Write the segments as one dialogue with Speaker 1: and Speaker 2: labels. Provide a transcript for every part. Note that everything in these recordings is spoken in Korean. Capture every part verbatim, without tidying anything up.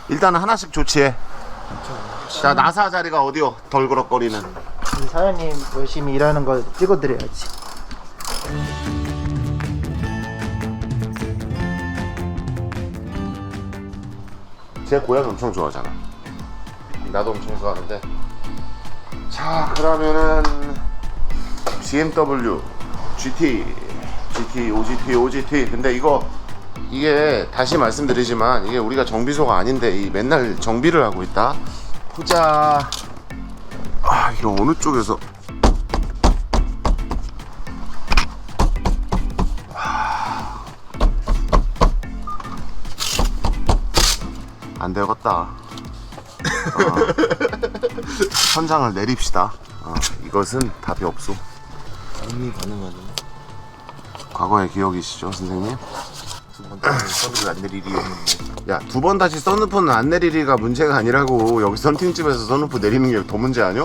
Speaker 1: 일단은 하나씩 조치해. 자, 나사 자리가 어디요? 덜그럭거리는.
Speaker 2: 우리 사장님 열심히 일하는 거 찍어드려야지.
Speaker 1: 제 고양이 엄청 좋아하잖아. 나도 엄청 좋아하는데. 자, 그러면은 비엠더블유 지티 지티 오지티 오지티. 근데 이거 이게 다시 말씀드리지만 이게 우리가 정비소가 아닌데 이 맨날 정비를 하고 있다. 보자. 아, 이거 어느 쪽에서 안 되겠다. 어. 천장을 내립시다. 어, 이것은 답이 없소.
Speaker 3: 이미 가능하네.
Speaker 1: 과거의 기억이시죠, 선생님?
Speaker 3: 두번 서비스 안 내리리였는데.
Speaker 1: 야, 두 번 다시 선루프는 안 내리리가 문제가 아니라고. 여기 썬팅집에서 선루프 내리는 게 더 문제 아니야?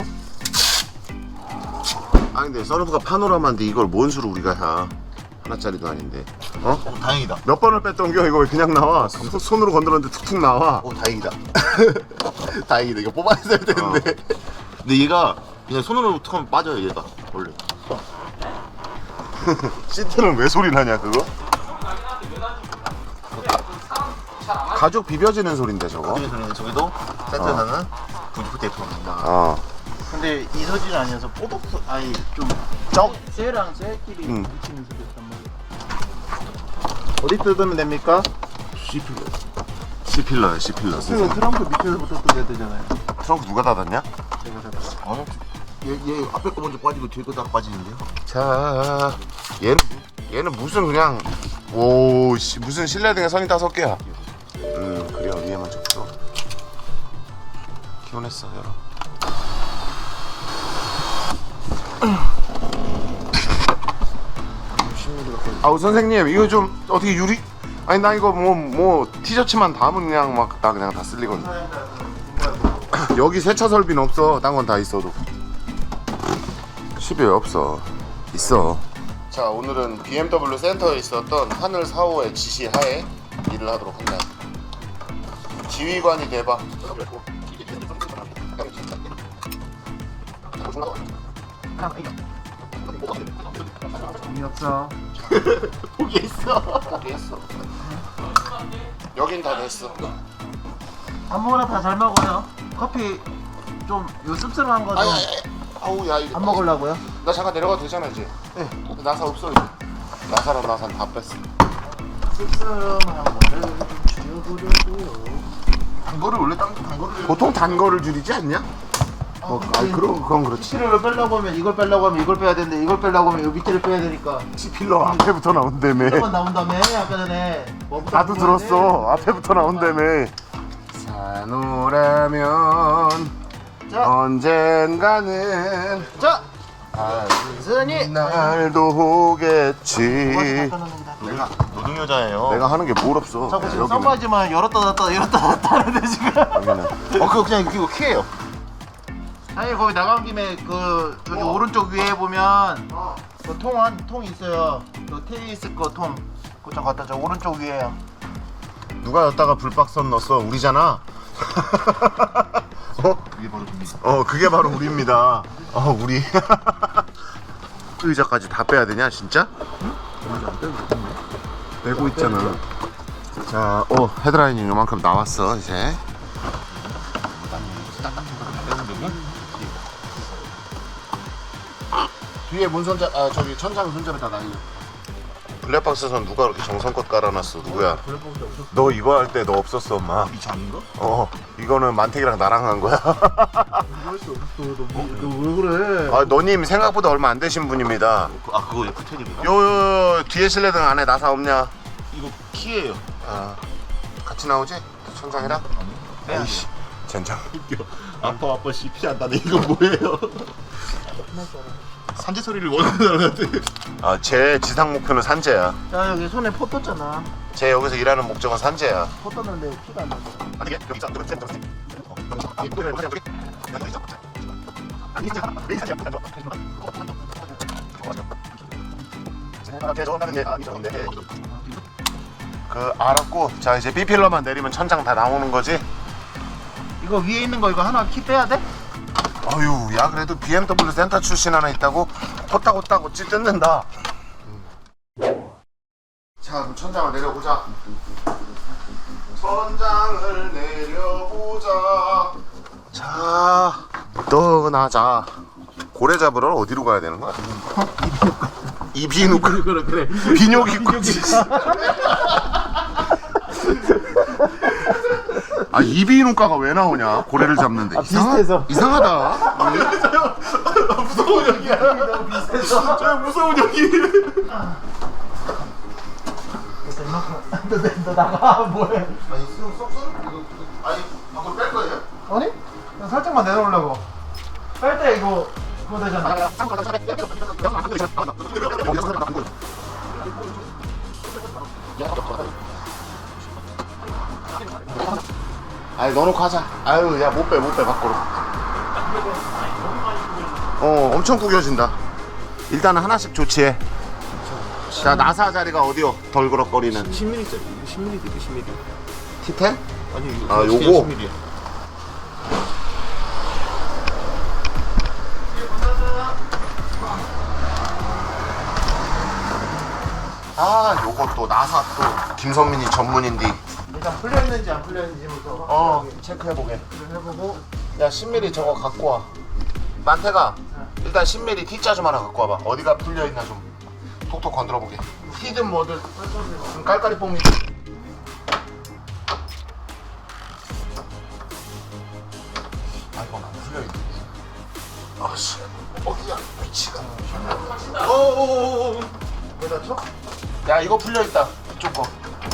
Speaker 1: 아니 근데 선루프가 파노라마인데 이걸 뭔 수로 우리가 사? 하나짜리도 아닌데. 어?
Speaker 3: 오, 다행이다.
Speaker 1: 몇 번을 뺐던 겨? 이거 왜 그냥 나와? 소, 손으로 건드렸는데 툭툭 나와.
Speaker 3: 오, 다행이다. 다행이다. 이거 뽑아냈어야 되는데.
Speaker 1: 어.
Speaker 3: 근데 얘가 그냥 손으로 툭하면 빠져요, 얘가. 원래.
Speaker 1: 시트는 왜 소리 나냐 그거? 가죽 비벼지는 소린데 저거?
Speaker 3: 그래서 저기도 센터에서는 부지프 테이프가 나온다.
Speaker 1: 어.
Speaker 2: 근데 이 소리는 아니어서 뽀독 소 아니 좀
Speaker 1: 쩍?
Speaker 2: 쇠랑 쇠끼리
Speaker 1: 응.
Speaker 2: 부딪히는 소리였단 말이야. 어디 뜯으면 됩니까?
Speaker 3: C필러.
Speaker 1: C필러야 C필러.
Speaker 2: 그 트렁크 밑에서부터 뜯어야 되잖아요.
Speaker 1: 트렁크 누가 닫았냐?
Speaker 2: 제가 잡았어요.
Speaker 3: 아니, 얘, 얘 앞에 거 먼저 빠지고 뒤에 거 딱 빠지는데요?
Speaker 1: 자, 얘는 얘는 무슨 그냥 오 씨, 무슨 실내등에 선이 다섯 개야. 음 그래 위에만 쳤어. 기원했어 열어. 아우 선생님 이거 좀 어떻게 유리? 아니 나 이거 뭐 뭐 티셔츠만 담으면 그냥 막 나 그냥 다 쓸리거든. 여기 세차 설비는 없어. 딴 건 다 있어도. 십이 왜 없어? 있어. 자 오늘은 비엠더블유 센터에 있었던 하늘 사호의 지시 하에 일을 하도록 한다. 지휘관이 돼봐.
Speaker 2: 재미없어.
Speaker 3: 포기했어.
Speaker 1: 포기했어. 여긴 다 됐어.
Speaker 2: 아무거나 다 잘 먹어요. 커피 좀 요 씁쓸한 거 좀
Speaker 1: 아니,
Speaker 2: 안
Speaker 1: 아니, 아니. 아우 야 이거.
Speaker 2: 먹으려고요?
Speaker 1: 나 잠깐 내려가도 되잖아 이제. 네. 나사 없어 이제. 나사랑 나사 다 뺐어.
Speaker 2: 씁쓸한 거를 좀 줄여보려고요.
Speaker 3: 단 거를 원래 단, 단 거를.
Speaker 1: 보통 단 거를 줄이지 않냐? 어, 아니 그럼 그건 그렇지.
Speaker 2: 치료를 빼려고 하면 이걸 빼려고 하면 이걸 빼야 되는데 이걸 빼려고 하면 이 밑에를 빼야 되니까
Speaker 1: 필러 앞에부터 나온다며.
Speaker 2: 한번 나온다며 아까 전에 뭐부터
Speaker 1: 나도
Speaker 2: 나오는데.
Speaker 1: 들었어. 앞에부터 나온다며. 산호라면
Speaker 2: 자,
Speaker 1: 언젠가는
Speaker 2: 자, 스니
Speaker 1: 날도 오겠지.
Speaker 3: 내가 노동 여자예요.
Speaker 1: 내가 하는 게 뭘 없어.
Speaker 2: 자꾸 지금
Speaker 1: 여기는.
Speaker 2: 썸바지만 열었다 닫았다 열었다 닫았다 하는데 지금.
Speaker 1: 여기는.
Speaker 3: 어, 그거 그냥 이거 키예요.
Speaker 2: 아니 거기 나간 김에 그 저기 오른쪽 위에 보면 그 통 한 통 있어요. 그 테니스 거 통. 그거 좀 갖다 줘. 오른쪽 위에요.
Speaker 1: 누가 여기다가 불박선 넣었어? 우리잖아. 어?
Speaker 3: 이게 바로 됩니다.
Speaker 1: 어 그게 바로 우리입니다. 어 우리. 의자까지 다 빼야 되냐 진짜? 빼고 있잖아. 자, 어 헤드라인이 요만큼 나왔어 이제. 뒤에 문선자, 아 저기 천장 손잡이 다 날려. 블랙박스 선 누가 그렇게 정성껏 깔아놨어? 누구야? 너 이거 할 때 너 없었어 엄마.
Speaker 3: 이 장인가?
Speaker 1: 어 이거는 만택이랑 나랑 한 거야.
Speaker 2: 너왜 그래?
Speaker 1: 아 너님 생각보다 얼마 안 되신 분입니다.
Speaker 3: 아, 그거 F텐입니다.
Speaker 1: 요, 요 뒤에 실내등 안에 나사 없냐?
Speaker 3: 이거 키예요.
Speaker 1: 아 같이 나오지? 천장이랑? 에이씨 젠장.
Speaker 3: 아빠 아빠 씨 피한다네. 이거 뭐예요? 산재 소리를 원하는 사람한테.
Speaker 1: 아제 지상 목표는 산재야.
Speaker 2: 자 여기 손에 포 떴잖아.
Speaker 1: 제 여기서 일하는 목적은 산재야.
Speaker 2: 포 떴는데 피가 안 나서.
Speaker 1: 아니 여기 있어. 그 알았고 자 이제 B필러만 내리면 천장 다 나오는 거지?
Speaker 2: 이거 위에 있는 거 이거 하나 키 빼야 돼?
Speaker 1: 어휴, 야 그래도 비엠더블유 센터 출신 하나 있다고 호딱호딱 어찌 뜯는다. 자, 그럼 천장을 내려보자. 천장을 내려보자. 자, 떠나자. 고래 잡으러 어디로 가야 되는 거야? 이비인후과.
Speaker 2: 그래 그래.
Speaker 1: 비뇨기과지. 아, 이비인후과가 왜 나오냐? 고래를 잡는데.
Speaker 2: 아, 비슷해서.
Speaker 1: 이상하다.
Speaker 2: 무서운 여기야. 너무 비슷해서.
Speaker 1: 저 무서운 여기.
Speaker 2: 너, 너 나가 뭐해?
Speaker 1: 아니, 수능 쏙쏙? 이거, 이거, 아니, 방금 뺄 거예요?
Speaker 2: 아니? 그냥 살짝만 내놓으려고. 빨 때 이거 그거 되잖아.
Speaker 1: 아니, 넣어놓고 하자. 아유, 야, 못 빼, 못 빼, 밖으로. 어, 엄청 구겨진다. 일단은 하나씩 조치해. 자, 나사 자리가 어디요? 덜그럭거리는.
Speaker 3: 십 밀리미터짜리. 이거 십 밀리미터, 이거 십 밀리미터.
Speaker 1: 티텐?
Speaker 3: 아니 이거
Speaker 1: 아,
Speaker 3: 그냥
Speaker 1: 요거?
Speaker 3: 십 밀리미터.
Speaker 1: 아, 요것도 나사 또 김선민이 전문인데.
Speaker 2: 일단 풀려 있는지 안 풀려 있는지부터
Speaker 1: 어, 체크해보게.
Speaker 2: 해보고.
Speaker 1: 야, 십 밀리미터 저거 갖고 와. 만태가 일단 십 밀리미터 T자 좀 하나 갖고 와봐. 어디가 풀려있나 좀 톡톡 건드려보게. T든 뭐든 좀 깔깔이 뽕이. 아, 이건 안 풀려있네. 아씨, 어디야 위치가. 어어어어.
Speaker 2: 여기다 쳐?
Speaker 1: 야, 이거 풀려있다. 이쪽 거.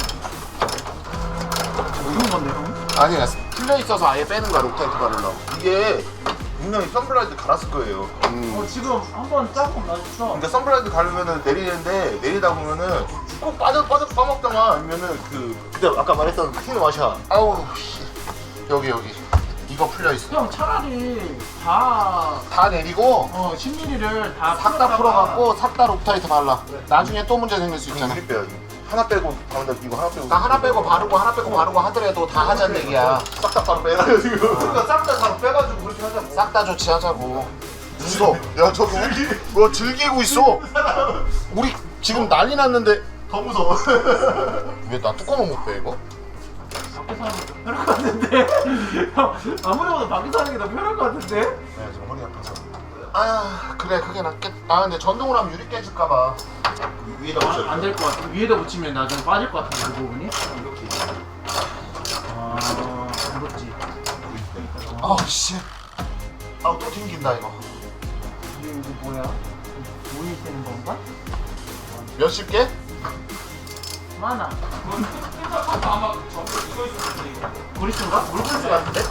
Speaker 2: 무슨 건데 형?
Speaker 1: 아니야, 풀려있어서 아예 빼는 거야. 록타이트 바르려고. 이게 분명히 선블라이드 갈았을 거예요. 음.
Speaker 2: 어 지금 한번 짜고 놔줬어.
Speaker 1: 그러니까 선블라이드 가르면은 내리는데 내리다 보면은 꼭 빠져 빠져 빠먹다가 아니면은 그 그때 아까 말했던 퀸 와샤. 아우 씨. 여기 여기 이거 풀려 있어.
Speaker 2: 형 차라리 다
Speaker 1: 다 내리고
Speaker 2: 어, 십 밀리미터를 다
Speaker 1: 싹 다
Speaker 2: 풀었다가-
Speaker 1: 풀어갖고 싹 다 록타이트 발라. 나중에 또 문제 생길 수 있잖아.
Speaker 3: 빼야지. 하나 빼고 가운데 이거 하나 빼고.
Speaker 1: 나 하나 빼고 바르고 하나 빼고 바르고 하더라도 다 하자는 얘기야.
Speaker 3: 싹 다 바로 빼라 지금.
Speaker 2: 그러니까 싹다 다 빼가지고 그렇게 하자.
Speaker 1: 싹 다 조치하자고. 무서. 야 저거 뭐 즐기고 있어. 우리 지금 난리 났는데
Speaker 3: 더 무서워.
Speaker 1: 왜 나 뚜껑을 못 빼 이거?
Speaker 2: 밖에서 하는 게 더 편할 것 같은데? 형 아무리 봐도 밖에서 하는 게 더 편할 것 같은데?
Speaker 1: 네, 좀 허리 아파서. 아, 그래, 그게 낫겠. 아, 근데 전동으로 하면 유리 깨질까봐.
Speaker 3: 위에다 붙여.
Speaker 2: 안 될 것 같아. 위에다 붙이면 나중에 빠질 것 같은데 그 부분이?
Speaker 3: 이렇게.
Speaker 2: 아 무겁지.
Speaker 1: 아, 씨. 아, 또 튕긴다 이거.
Speaker 2: 이게 이거 뭐야? 모이 되는 건가?
Speaker 1: 몇십 개?
Speaker 2: 많아. 브리스인가? 물브리스 같은데?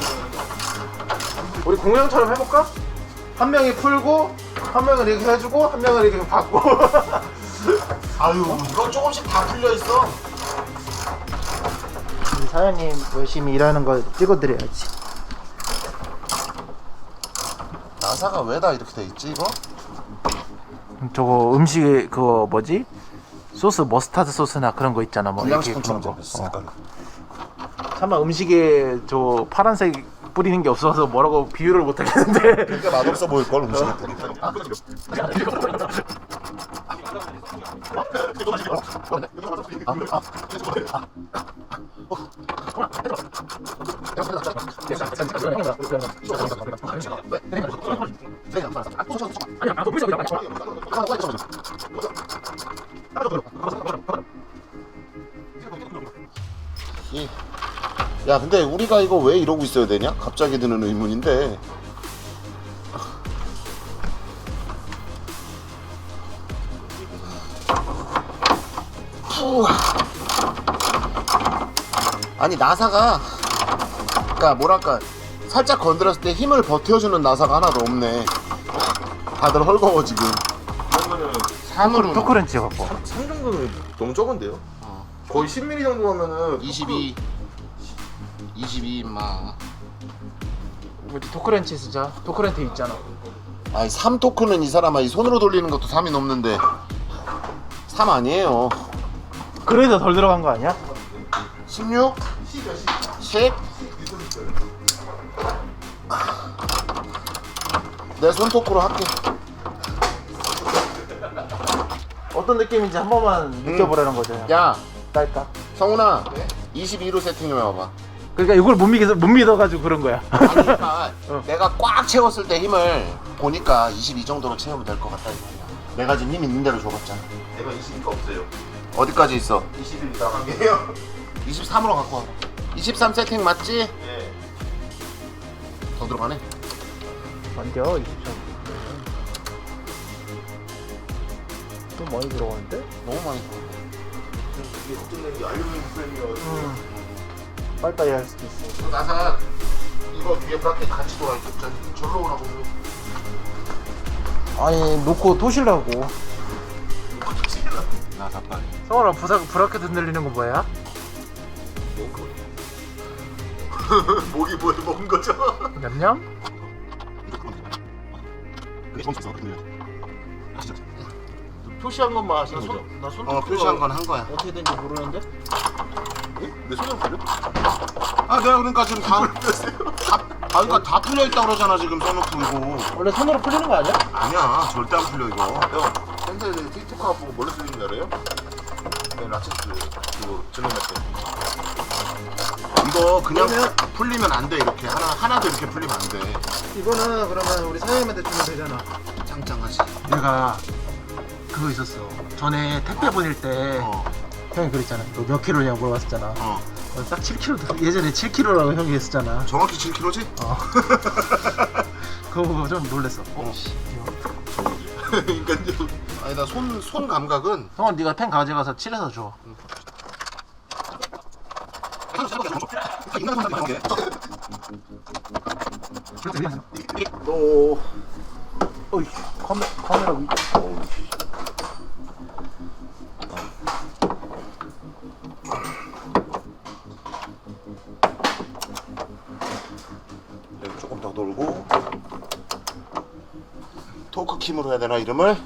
Speaker 2: 우리 공룡처럼 해볼까? 한 명이 풀고 한 명은 이렇게 해주고 한 명은 이렇게 받고.
Speaker 1: 아유, 이거 조금씩 다 풀려 있어.
Speaker 2: 사장님 열심히 일하는 거 찍어드려야지.
Speaker 1: 나사가 왜 다 이렇게 돼 있지 이거?
Speaker 2: 저거 음식 그거 뭐지? 소스 머스타드 소스나 그런 거 있잖아. 뭐 이렇게
Speaker 1: 불량식품처럼
Speaker 2: 그런 거.
Speaker 1: 잡혔어. 색깔.
Speaker 2: 차마 음식에 저 파란색 뿌리는 게 없어서 뭐라고 비유를 못 하겠는데.
Speaker 3: 그러니까 맛없어 보일 걸 음식에 뿌리면.
Speaker 1: 이- 야, 근데 우리가 이거 왜 이러고 있어야 되냐? 갑자기 드는 의문인데. 푸. 아니 나사가 그러니까 뭐랄까 살짝 건드렸을 때 힘을 버텨주는 나사가 하나도 없네. 다들 헐거워 지금.
Speaker 3: 그러면은
Speaker 1: 삼으로
Speaker 2: 토크렌치 갖고.
Speaker 3: 삼 정도는 너무 적은데요? 거의 십 밀리미터 정도 하면은
Speaker 1: 이십이 이십이 인마.
Speaker 2: 우리 토크렌치 쓰자. 토크렌치 있잖아.
Speaker 1: 아니 삼 토크는 이 사람아 이 손으로 돌리는 것도 삼이 넘는데 삼 아니에요.
Speaker 2: 그래도 덜 들어간 거 아니야?
Speaker 1: 십육? 십? 내 손톱으로 할게.
Speaker 2: 어떤 느낌인지 한 번만 느껴보라는 거죠.
Speaker 1: 야,
Speaker 2: 딸까?
Speaker 1: 성훈아. 이십이로 세팅 좀 해봐봐.
Speaker 2: 그러니까 이걸 못 믿어 못 믿어가지고 그런 거야.
Speaker 1: 아니, 그러니까 내가 꽉 채웠을 때 힘을 보니까 이십이 정도로 채우면 될 것 같다 이거야. 내가 지금 힘 있는 대로 줘봤잖아.
Speaker 3: 내가 이십이가 없어요.
Speaker 1: 어디까지 있어?
Speaker 3: 이십일 나가게요.
Speaker 1: 이십삼으로 갖고 와. 이십삼 세팅 맞지?
Speaker 3: 네.
Speaker 1: 더 들어가네.
Speaker 2: 안돼요 이십삼. 좀 많이 들어가는데?
Speaker 1: 너무 많이 들어가.
Speaker 3: 이게 걱정되는 게 알루미늄 프레임이어가지고.
Speaker 2: 응. 빨리빨리 할 수도 있어.
Speaker 1: 그 나사 이거 뒤에 브라켓 같이 돌아 있어. 절로 오라고.
Speaker 2: 아니 놓고 토실라고.
Speaker 1: 나사 빨리.
Speaker 2: 성원아 부사 브라켓 흔들리는 거 뭐야?
Speaker 3: 먹은 거. 목이 뭘 먹은 거죠?
Speaker 2: 냠냠? 표시한 것만 하시는 거죠? 나 손톱
Speaker 1: 어, 표시한 건 한 거야.
Speaker 2: 어떻게 된지 모르는데?
Speaker 3: 내 손으로 걸려?
Speaker 1: 아, 내가 그러니까 지금 다, 다, 아, 그러니까 다 풀려 있다 그러잖아 지금 써놓고 이거.
Speaker 2: 원래 손으로 풀리는 거 아니야?
Speaker 1: 아니야, 절대 안 풀려 이거.
Speaker 3: 형, 현재 틱톡 하고 보고 뭘로 쓰는 줄 알아요? 네, 라체스 그거 질러낼 때.
Speaker 1: 이거 그냥
Speaker 2: 그러면-
Speaker 1: 풀리면 안 돼. 이렇게 하나 하나도 이렇게 풀리면 안 돼.
Speaker 2: 이거는 그러면 우리 사장님한테 주면 되잖아.
Speaker 1: 짱짱하지.
Speaker 2: 내가 그거 있었어. 전에 택배 보낼 때
Speaker 1: 어,
Speaker 2: 형이 그랬잖아. 너 몇 킬로냐고 물어봤었잖아.
Speaker 1: 어.
Speaker 2: 어, 딱 칠 킬로도 예전에 칠 킬로라고 형이 했었잖아.
Speaker 1: 정확히 칠 킬로그램지?
Speaker 2: 어. 그거 보고 좀 놀랬어. 어,
Speaker 1: 어.
Speaker 2: 씨.
Speaker 3: 그러니까요.
Speaker 1: 아니 나 손 손 감각은
Speaker 2: 형은 네가 펜 가져가서 칠해서 줘.
Speaker 3: 너
Speaker 2: 어이, 카메, 카메라 위.
Speaker 1: 여기 조금 더 돌고 토크킴으로 해야 되나 이름을?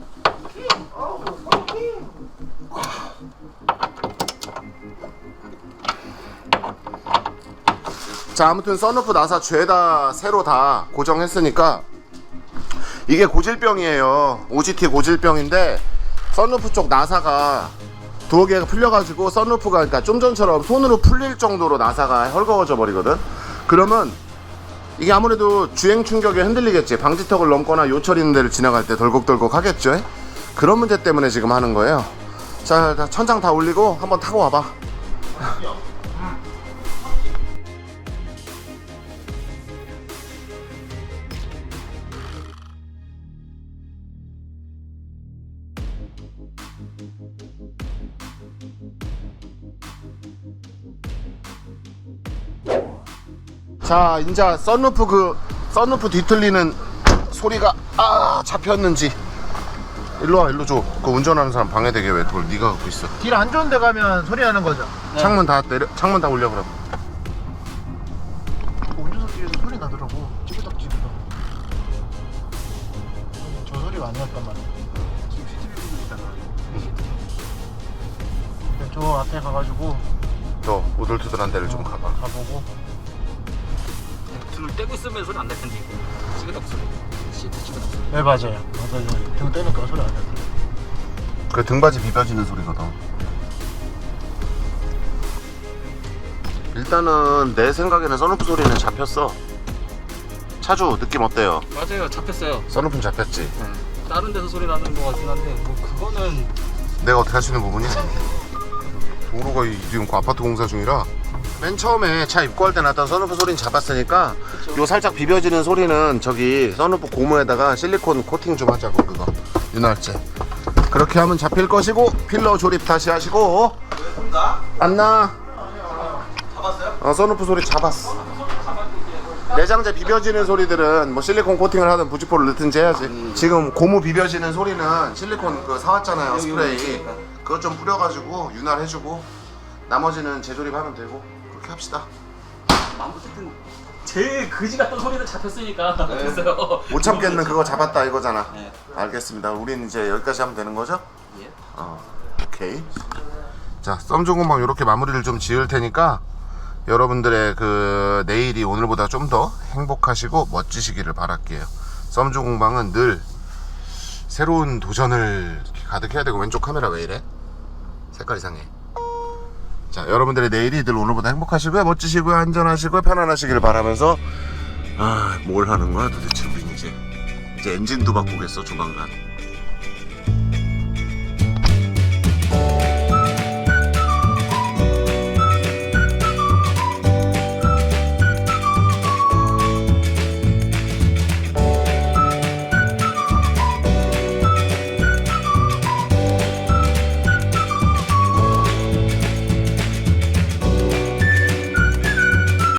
Speaker 1: 자, 아무튼 썬루프 나사 죄다 새로 다 고정했으니까 이게 고질병이에요. 오지티 고질병인데 썬루프 쪽 나사가 두어 개가 풀려가지고 썬루프가 그러니까 좀 전처럼 손으로 풀릴 정도로 나사가 헐거워져 버리거든. 그러면 이게 아무래도 주행 충격에 흔들리겠지. 방지턱을 넘거나 요철 있는 데를 지나갈 때 덜컥덜컥 하겠죠. 그런 문제 때문에 지금 하는 거예요. 자, 자, 천장 다 올리고 한번 타고 와봐. 자, 이제 썬루프 그 썬루프 뒤틀리는 소리가 아 잡혔는지 일로 와, 일로 줘. 그 운전하는 사람 방해되게 왜 그걸 네가 갖고 있어.
Speaker 2: 길 안 좋은 데 가면 소리 나는 거죠.
Speaker 1: 창문 다 내려, 창문 다 올려 그럼.
Speaker 2: 운전석 뒤에서 소리 나더라고. 찌그덕 찌그덕. 저 소리가 아니었단 말이야.
Speaker 3: 지금 씨티비 보고 있잖아.
Speaker 2: 저 앞에 가가지고
Speaker 1: 저 우들투들한 데를 좀 가봐.
Speaker 2: 가보고.
Speaker 4: 등을 떼고 있으면 소리 안 날 텐데 이거 찌그덕 소리 시트 찌그덕 소리
Speaker 2: 네 맞아요. 맞아요. 등 떼니까 소리 안 나요.
Speaker 1: 그 등받이 비벼지는 소리거든. 일단은 내 생각에는 썬루프 소리는 잡혔어. 차주 느낌 어때요?
Speaker 4: 맞아요 잡혔어요.
Speaker 1: 썬루프는 잡혔지.
Speaker 4: 네. 다른 데서 소리 나는 것 같긴 한데 뭐 그거는
Speaker 1: 내가 어떻게 할 수 있는 부분이? 도로가 이- 지금 그 아파트 공사 중이라 맨 처음에 차 입고할 때 났던 썬루프 소리는 잡았으니까
Speaker 4: 그쵸.
Speaker 1: 요 살짝 비벼지는 소리는 저기 썬루프 고무에다가 실리콘 코팅 좀 하자고. 그거 윤활제 그렇게 하면 잡힐 것이고 필러 조립 다시 하시고. 안 나? 잡았어요? 어, 썬루프 소리 잡았어. 내장재 비벼지는 소리들은 뭐 실리콘 코팅을 하든 부직포를 넣든지 해야지. 지금 고무 비벼지는 소리는 실리콘 그 사왔잖아요, 스프레이. 그거 좀 뿌려가지고 윤활해주고 나머지는 재조립하면 되고 그렇게 합시다.
Speaker 4: 어쨌든 제일 그지 같던 소리는 잡혔으니까 됐어요.
Speaker 1: 못 참겠는 그거 잡았다 이거잖아.
Speaker 4: 네.
Speaker 1: 알겠습니다. 우린 이제 여기까지 하면 되는 거죠?
Speaker 4: 예.
Speaker 1: 어, 오케이. 자, 썸중공방 이렇게 마무리를 좀 지을 테니까 여러분들의 그 내일이 오늘보다 좀 더 행복하시고 멋지시기를 바랄게요. 썸주 공방은 늘 새로운 도전을 가득해야 되고. 왼쪽 카메라 왜 이래? 색깔 이상해. 자, 여러분들의 내일이 늘 오늘보다 행복하시고요, 멋지시고요, 안전하시고요, 편안하시길 바라면서 아, 뭘 하는 거야 도대체 우린 이제 이제 엔진도 바꾸겠어 조만간.